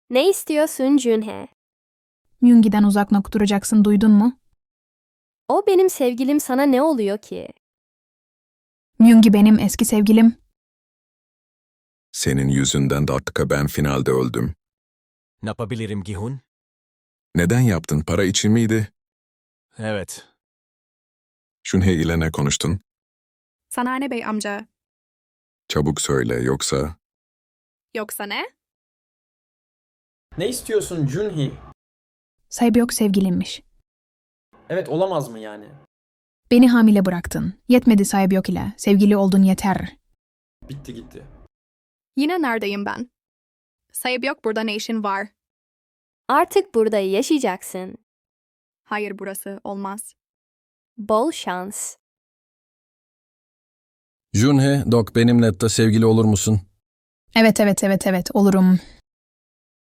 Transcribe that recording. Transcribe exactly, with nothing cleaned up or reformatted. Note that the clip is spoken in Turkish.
Ne istiyorsun Junhe? Myungi'den uzak nok duracaksın, duydun mu? O benim sevgilim, sana ne oluyor ki? Myungi benim eski sevgilim. Senin yüzünden dakika ben finalde öldüm. Ne yapabilirim Gihun? Neden yaptın? Para için miydi? Evet. Junhe ile ne konuştun? Sanane Bey amca. Çabuk söyle yoksa... Yoksa ne? Ne istiyorsun Junhee? Saebyok sevgilimmiş. Evet, olamaz mı yani? Beni hamile bıraktın. Yetmedi Saebyok ile. Sevgili oldun, yeter. Bitti gitti. Yine neredeyim ben? Sayıp yok, burada ne işin var? Artık burada yaşayacaksın. Hayır, burası olmaz. Bol şans. Junhe, Dok benimle de sevgili olur musun? Evet evet evet evet olurum.